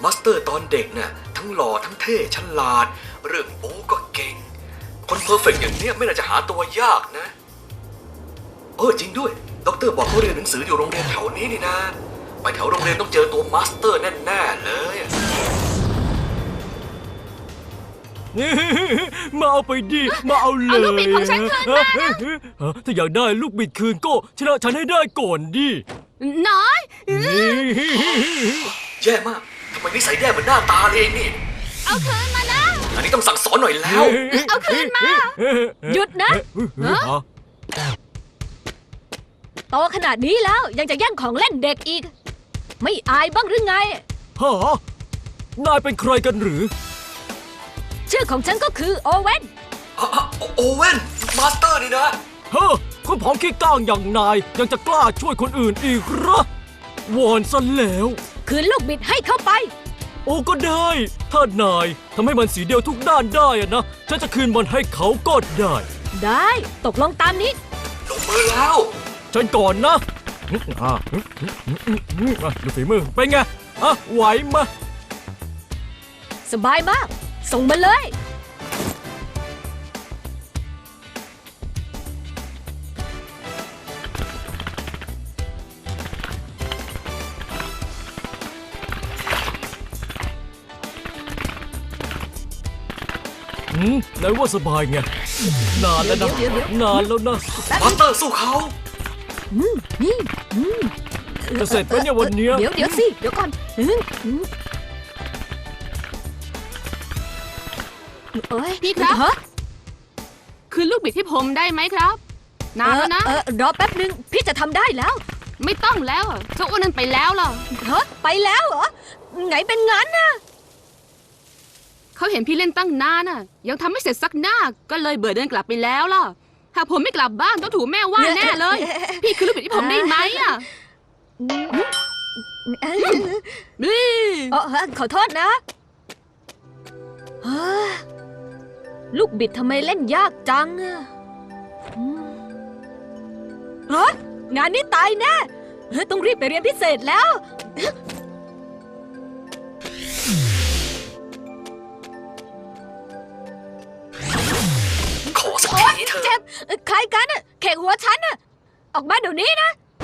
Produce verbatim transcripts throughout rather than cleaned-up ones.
บัสเตอร์ตอนเด็กน่ะทั้งหล่อทั้งเท่ฉลาดเรื่องโอ้ก็เก่งคนเพอร์เฟกต์อย่างเนี้ยไม่น่าจะหาตัวยากนะเออจริงด้วยด็อกเตอร์บอกเขาเรียนหนังสืออยู่โรงเรียนแถวนี้นี่นะไปแถวโรงเรียนต้องเจอตัวมาสเตอร์แน่ๆเลยมาเอาไปดิมาเอาเลยเอาลูกบิดของฉันคืนมานะถ้าอยากได้ลูกบิดคืนก็ชนะฉันให้ได้ก่อนดิน้อยแย่มากทำไมนิสัยแย่เหมือนหน้าตาเลยนี่เอาคืนมานะอันนี้ต้องสั่งสอนหน่อยแล้วเอาคืนมา หยุดนะโตขนาดนี้แล้วยังจะแย่งของเล่นเด็กอีกไม่อายบ้างหรือไงฮะนายเป็นใครกันหรือชื่อของฉันก็คือโอเว่นโอเว่นมาสเตอร์นี่นะเฮ้อคุณผอมขี้ก้างอย่างนายยังจะกล้าช่วยคนอื่นอีกเหรอวอนซะแล้วคืนลูกบิดให้เข้าไปโอ้ก็ได้ถ้านายทำให้มันสีเดียวทุกด้านได้อะนะฉันจะคืนมันให้เขาก็ได้ได้ตกลงตามนี้ลงมือแล้วฉันก่อนนะอ่ะดูฝีมือเป็นไงอ่ะไหวมาสบายมาก ส่งมาเลยอืมไหนว่าสบายไงนานแล้วนะเดี๋ยวเดี๋ยวนานแล้วนะมาสเตอร์สู้เขาอืมนี่อืมจะเสร็จไหมเนี่ยวันเนี้ยเดี๋ยวเดี๋ยวสิ เดี๋ยวก่อนอืมอืมเอ้ยพี่ครับฮะคืนลูกบิดให้ผมได้ไหมครับนานแล้วนะเออเออรอแป๊บนึง พี่จะทำได้แล้วไม่ต้องแล้วอะเจ้าอ้วนนั้นไปแล้วล่ะฮะไปแล้วเหรอ ไงเป็นงั้นน่ะเขาเห็นพี่เล่นตั้งนานน่ะ ยังทำไม่เสร็จสักหน้าก็เลยเบื่อเดินกลับไปแล้วล่ะหากผมไม่กลับบ้านต้องถูกแม่ว่าแน่เลย พี่คืนลูกบิดให้ผมได้ไหมอ่ะเอ้ยนี่เอ่อขอโทษนะเฮ้ยลูกบิดทำไมเล่นยากจังอะอืมเฮ้ยงานนี้ตายแน่เฮ้ยต้องรีบไปเรียนพิเศษแล้วขอสักโอ๊ยทีเถอะเจ็บเอ่อใครกันอะแขกหัวฉันอะออกมาเดี๋ยวนี้นะ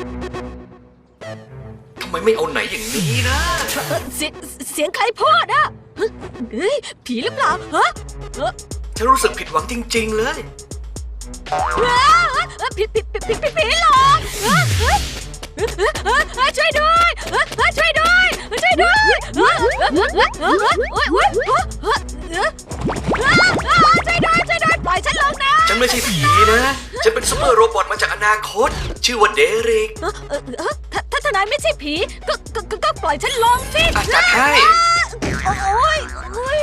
ทำไมไม่เอาไหนอย่างนี้นะเอ่อเสียงเสียงใครพูดอะเฮ้ยเฮ้ยผีหรือเปล่าฮะเอ่อฉันรู้สึกผิดหวังจริงๆเลยเอ้ยเอ้ยผีผีผีผีผีผีหลอกเอ้ยเอ้ยเอ้ยเอ้ยเอ้ยช่วยด้วยเอ้ยเอ้ยช่วยด้วยช่วยด้วยเอ้ยเอ้ยเอ้ยเอ้ยเอ้ยเอ้ยเอ้ยเอ้ยเอ้ยเอ้ยเอ้ยช่วยด้วยช่วยด้วยปล่อยฉันลงนะฉันไม่ใช่ผีนะ ฉันเป็นซูเปอร์โรบอทมาจากอนาคต ชื่อว่าเดริกเอ้ยเอ้ยเอ้ยถ้าถ้าทนายไม่ใช่ผีก็ก็ก็ก็ปล่อยฉันลงสิอ่ะจัดให้โอ้ยโอ้ย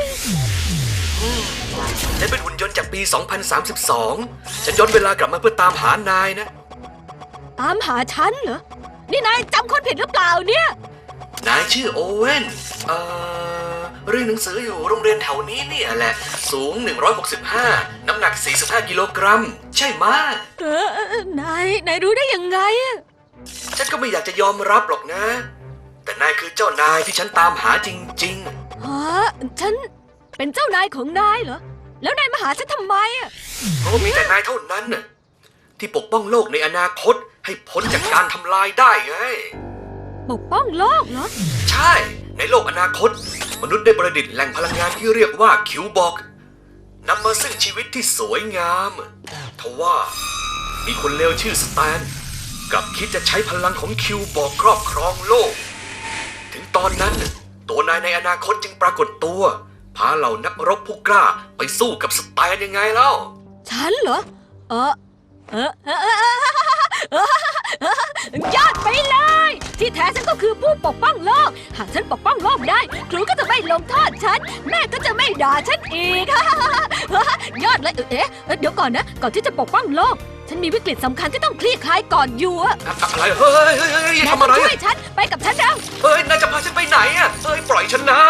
ฉันเป็นหุ่นยนต์จากปี สองพันสามสิบสอง ฉันย้อนเวลากลับมาเพื่อตามหานายนะตามหาฉันเหรอนี่นายจำคนผิดหรือเปล่าเนี่ยนายชื่อโอเว่นเอ่อเรียนหนังสืออยู่โรงเรียนแถวนี้เนี่ยแหละ สูง หนึ่งร้อยหกสิบห้า น้ำหนัก สี่สิบห้า กิโลกรัม ใช่ไหมะเออเออเออนายนายรู้ได้ยังไงอะฉันก็ไม่อยากจะยอมรับหรอกนะ แต่นายคือเจ้านายที่ฉันตามหาจริงฮะฉันเป็นเจ้านายของนายเหรอ แล้วนายมาหาฉันทำไมอะๆ เพราะว่ามีแต่นายเท่านั้นน่ะที่ปกป้องโลกในอนาคตให้พ้นจากการทำลายได้ไงปกป้องโลกเหรอใช่ ในโลกอนาคต มนุษย์ได้ประดิษฐ์แหล่งพลังงานที่เรียกว่าคิวบอกนำมาซึ่งชีวิตที่สวยงามทว่ามีคนเลวชื่อสแตนกลับคิดจะใช้พลังของคิวบอกครอบครองโลก ถึงตอนนั้นตัวนายในอนาคตจึงปรากฏตัวพาเหล่านักรบผู้กล้าไปสู้กับสแตนยังไงเล่าฉันเหรอ เออเออเออเออเออเออยอดไปเลย ที่แท้ฉันก็คือผู้ปกป้องโลก หากฉันปกป้องโลกได้ครูก็จะไม่ลงโทษฉัน แม่ก็จะไม่ด่าฉันอีก ยอดเลยเอ๊ะเดี๋ยวก่อนนะ ก่อนที่จะปกป้องโลก ฉันมีวิกฤตสำคัญที่ต้องคลี่คลายก่อนอยู่อะอะไรเฮ้ยเฮ้ยเฮ้ยแม่ทำอะไรต้องช่วยฉันไปกับฉันเร็วเฮ้ยนายจะพาฉันไปไหนอ่ะเฮ้ยปล่อยฉันนะ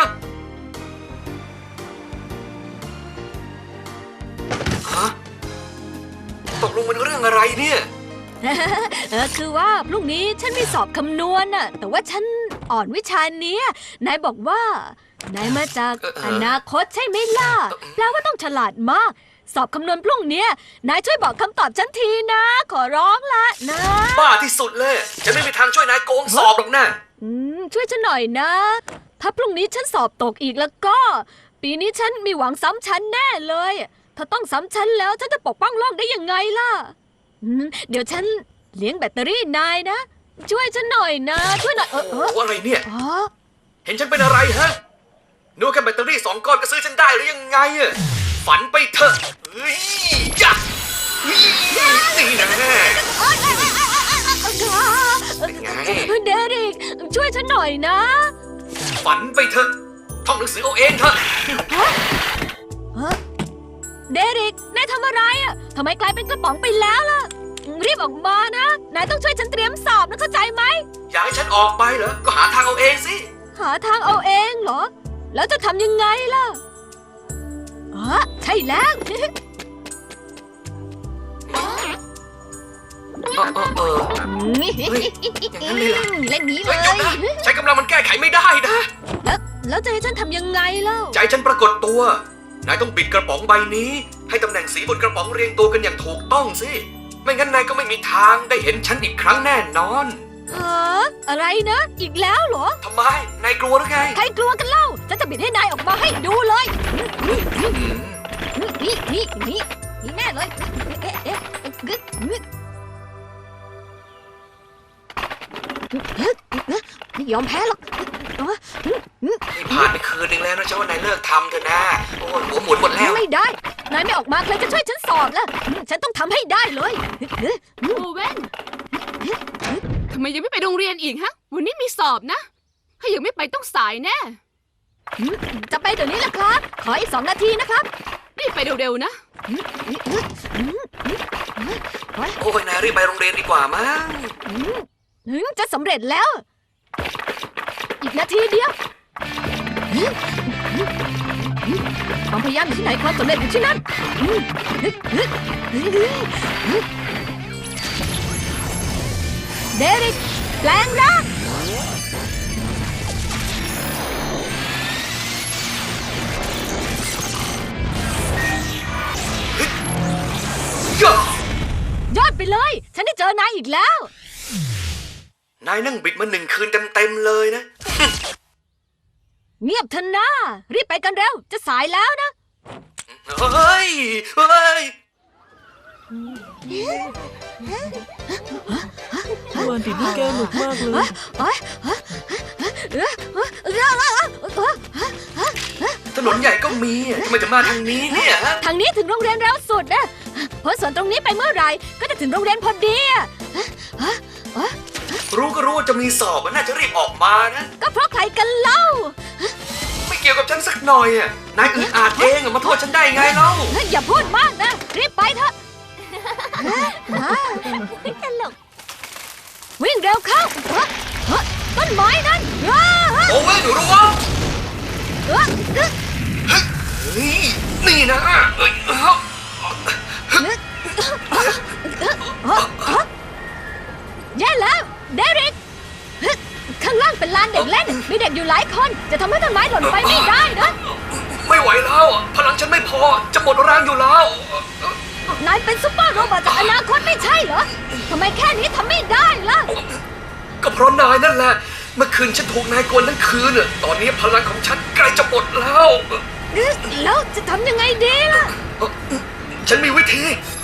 ฮะตกลงมันเรื่องอะไรเนี่ยเออคือว่าพรุ่งนี้ฉันมีสอบคำนวณน่ะแต่ว่าฉันอ่อนวิชาเนี้ยนายบอกว่านายมาจากเออเอออนาคตใช่ไหมล่ะแปลว่าต้องฉลาดมาก สอบคำนวณพรุ่งเนี้ยนายช่วยบอกคำตอบฉันทีนะ ขอร้องละนะบ้าที่สุดเลยฉันไม่มีทางช่วยนายโกงสอบหรอกนะอืมช่วยฉันหน่อยนะ ถ้าพรุ่งนี้ฉันสอบตกอีกแล้วก็ ปีนี้ฉันมีหวังซ้ำชั้นแน่เลย ถ้าต้องซ้ำชั้นแล้วฉันจะปกป้องโลกได้ยังไงล่ะอืมเดี๋ยวฉันเลี้ยงแบตเตอรี่นายนะ ช่วยฉันหน่อยนะ ช่วยหน่อยเออเออโอ้อะไรเนี่ยอ๋อเห็นฉันเป็นอะไรฮะนึกว่าแค่แบตเตอรี่สองก้อนก็ซื้อฉันได้หรือยังไงอะฝันไปเถอะเฮ้ยยะเฮ้ยนี่นะเป็นไงเดริกช่วยฉันหน่อยนะฝันไปเถอะท่องหนังสือเอาเองเถอะฮะเดริกนายทำอะไรอ่ะทำไมกลายเป็นกระป๋องไปแล้วล่ะ รีบออกมานะ นายต้องช่วยฉันเตรียมสอบนะเข้าใจไหมอยากให้ฉันออกไปเหรอก็หาทางเอาเองสิหาทางเอาเองเหรอ แล้วจะทำยังไงล่ะอ๋อใช่แล้วเออเออเออ อย่างนั้นเลยเหรอเล่นนี้เลเฮ้ยยเดี๋ยวนะใช้กำลังมันแก้ไขไม่ได้นะแล้วแล้วจะให้ฉันทำยังไงเล่าใจฉันปรากฏตัวนายต้องบิดกระป๋องใบนี้ ให้ตำแหน่งสีบนกระป๋องเรียงตัวกันอย่างถูกต้องสิไม่งั้นนายก็ไม่มีทางได้เห็นฉันอีกครั้งแน่นอนฮะอะไรนะ อีกแล้วเหรอทำไมนายกลัวหรือไงใครกลัวกันเล่าฉันจะบิดให้นายออกมาให้ดูเลยอืมนี่นี่นี่นี่แน่เลยเอ๊ะเอ๊ะกึกกึกไม่ยอมแพ้หรอกนี่ผ่านไปคืนนึงแล้วนะฉันว่านายเลิกทำเถอะนะโอ้ยหัวหมุนหมดแล้วไม่ได้ นายไม่ออกมาใครจะช่วยฉันสอบล่ะ ฉันต้องทำให้ได้เลยโอเว่นทำไมยังไม่ไปโรงเรียนอีกฮะ วันนี้มีสอบนะ ถ้ายังไม่ไปต้องสายแน่จะไปเดี๋ยวนี้แหละครับ ขออีกสองนาทีนะครับรีบไปเร็วๆนะโอ้ยนายรีบไปโรงเรียนดีกว่ามั้งจะสำเร็จแล้ว อีกนาทีเดียวความพยายามอยู่ที่ไหนความสำเร็จอยู่ที่นั่นเดริกแปลงร่างย่ายอดไปเลย ฉันได้เจอนายอีกแล้วนายนั่งบิดมาหนึ่งคืนเต็มๆเลยนะเงียบเถอะนะรีบไปกันเร็ว จะสายแล้วนะเฮ้ยเฮ้ยเมื่อวานติดลูกแก้วหนุกมากเลยถนนใหญ่ก็มีทำไมจะมาทางนี้เนี่ยฮะทางนี้ถึงโรงเรียนเร็วสุดนะเพราะส่วนตรงนี้ไปเมื่อไหร่ก็จะถึงโรงเรียนพอดีอะรู้ก็รู้ว่าจะมีสอบมันน่าจะรีบออกมานะก็เพราะใครกันเล่าไม่เกี่ยวกับฉันสักหน่อยอ่ะ นายอึดอาดเองอะมาโทษฉันได้ไงเล่าอย่าพูดมากนะ รีบไปเถอะตลกวิ่งเร็วเข้าเฮ้ยเฮ้ยต้นไม้นั่นเฮ้ยโอ้ยหนูรู้ว่าเฮ้ยเฮ้ยเฮ้ยนี่นะเอ้ยเอ้าแย่แล้วเดริกเฮ้ยข้างล่างเป็นลานเด็กเล่น มีเด็กอยู่หลายคน จะทำให้ต้นไม้หล่นไปไม่ได้นะไม่ไหวแล้วอะพลังฉันไม่พอ จะหมดแรงอยู่แล้วนายเป็นซุปเปอร์โรบอทจากอนาคตไม่ใช่เหรอ ทำไมแค่นี้ทำไม่ได้ล่ะก็เพราะนายนั่นแหละ เมื่อคืนฉันถูกนายกวนทั้งคืนอะตอนนี้พลังของฉันใกล้จะหมดแล้วแล้วจะทำยังไงดีล่ะฉันมีวิธี